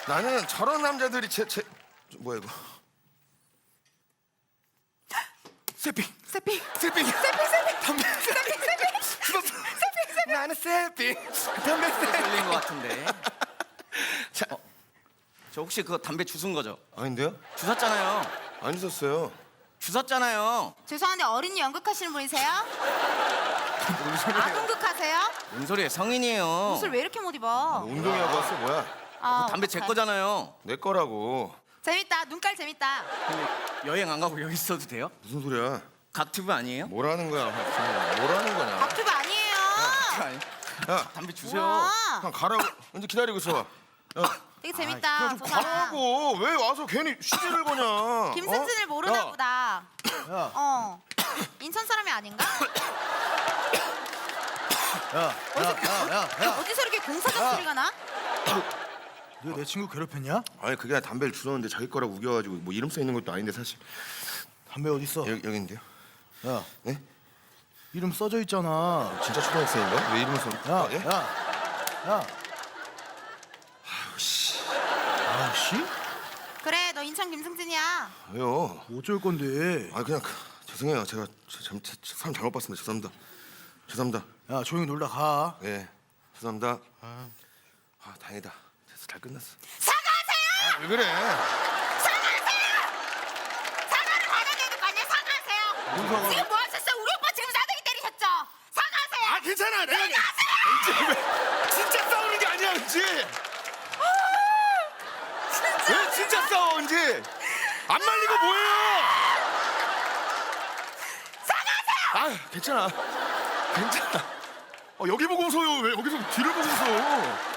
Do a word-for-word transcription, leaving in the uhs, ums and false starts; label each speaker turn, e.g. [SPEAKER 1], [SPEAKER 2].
[SPEAKER 1] 나는 저런 남자들이 제, 제 뭐야 이거? 세핑,
[SPEAKER 2] 세핑.
[SPEAKER 1] 세핑,
[SPEAKER 2] 세핑 세핑.
[SPEAKER 1] 담배,
[SPEAKER 2] 세핑 세핑.
[SPEAKER 1] 죽었어.
[SPEAKER 2] 세핑 세핑.
[SPEAKER 1] 나는 세핑, 담배 세핑.
[SPEAKER 3] 걸린 것 같은데.
[SPEAKER 1] 자,
[SPEAKER 3] 어, 저 혹시 그거 담배 주운 거죠?
[SPEAKER 1] 아닌데요?
[SPEAKER 3] 주웠잖아요.
[SPEAKER 1] 안 주셨어요.
[SPEAKER 3] 주웠잖아요.
[SPEAKER 2] 죄송한데 어린이 연극하시는 분이세요?
[SPEAKER 1] 뭔 소리예요?
[SPEAKER 2] 아동극하세요?
[SPEAKER 3] 뭔 소리예요? 성인이에요.
[SPEAKER 2] 옷을 왜 이렇게 못 입어?
[SPEAKER 1] 운동이하고 왔어 뭐야?
[SPEAKER 2] 아,
[SPEAKER 3] 담배 제
[SPEAKER 2] 어떡해.
[SPEAKER 3] 거잖아요.
[SPEAKER 1] 내 거라고.
[SPEAKER 2] 재밌다. 눈깔 재밌다.
[SPEAKER 3] 근데 여행 안 가고 여기 있어도 돼요?
[SPEAKER 1] 무슨 소리야?
[SPEAKER 3] 각튜브 아니에요?
[SPEAKER 1] 뭐라는 거야? 정말 뭐라는 거냐?
[SPEAKER 2] 박튜브 아니에요.
[SPEAKER 3] 아니,
[SPEAKER 1] 야,
[SPEAKER 3] 담배 주세요.
[SPEAKER 2] 와,
[SPEAKER 1] 그냥 가라고. 언제 기다리고 있어. 야,
[SPEAKER 2] 되게 재밌다.
[SPEAKER 1] 좀
[SPEAKER 2] 소나.
[SPEAKER 1] 가라고. 왜 와서 괜히 시비를 거냐?
[SPEAKER 2] 김승진을
[SPEAKER 1] 어?
[SPEAKER 2] 모르나
[SPEAKER 1] 야,
[SPEAKER 2] 보다.
[SPEAKER 4] 야,
[SPEAKER 2] 어. 인천 사람이 아닌가?
[SPEAKER 4] 야, 야, 야, 야, 야.
[SPEAKER 2] 어디서 이렇게 공사장 소리가 나?
[SPEAKER 4] 너 내 친구 괴롭혔냐?
[SPEAKER 1] 아니 그게 아니라 담배를 주웠는데 자기 거라고 우겨가지고 뭐 이름 써 있는 것도 아닌데 사실.
[SPEAKER 4] 담배 어디 있어?
[SPEAKER 1] 여기 여기 있는데요.
[SPEAKER 4] 야,
[SPEAKER 1] 네?
[SPEAKER 4] 이름 써져 있잖아.
[SPEAKER 1] 진짜 초등학생인가? 왜 이름을 써?
[SPEAKER 4] 야,
[SPEAKER 1] 아, 예?
[SPEAKER 4] 야, 야. 아우씨. 아우씨?
[SPEAKER 2] 그래, 너 인천 김승진이야.
[SPEAKER 1] 왜요?
[SPEAKER 4] 어쩔 건데?
[SPEAKER 1] 아 그냥 그, 죄송해요. 제가 저, 잘, 저, 저, 사람 잘못 봤습니다. 죄송합니다. 죄송합니다.
[SPEAKER 4] 야, 조용히 놀다 가.
[SPEAKER 1] 예, 죄송합니다. 아, 아 다행이다. 됐어, 잘 끝났어.
[SPEAKER 2] 사과하세요!
[SPEAKER 1] 아, 왜 그래?
[SPEAKER 2] 사과를 받아야 되는 거 아니야? 사과하세요!
[SPEAKER 1] 무슨 사과?
[SPEAKER 2] 지금 뭐 하셨어요? 우리 오빠 지금 싸대기 때리셨죠? 사과하세요!
[SPEAKER 1] 아 괜찮아. 내가 이제 왜 진짜 싸우는 게 아니야, 은지. 왜 진짜 싸워, 은지? 안 말리고 뭐해요?
[SPEAKER 2] 사과하세요!
[SPEAKER 1] 아 괜찮아. 괜찮아. 어, 여기 보고 웃어요. 왜 여기서 뒤를 보고 웃어?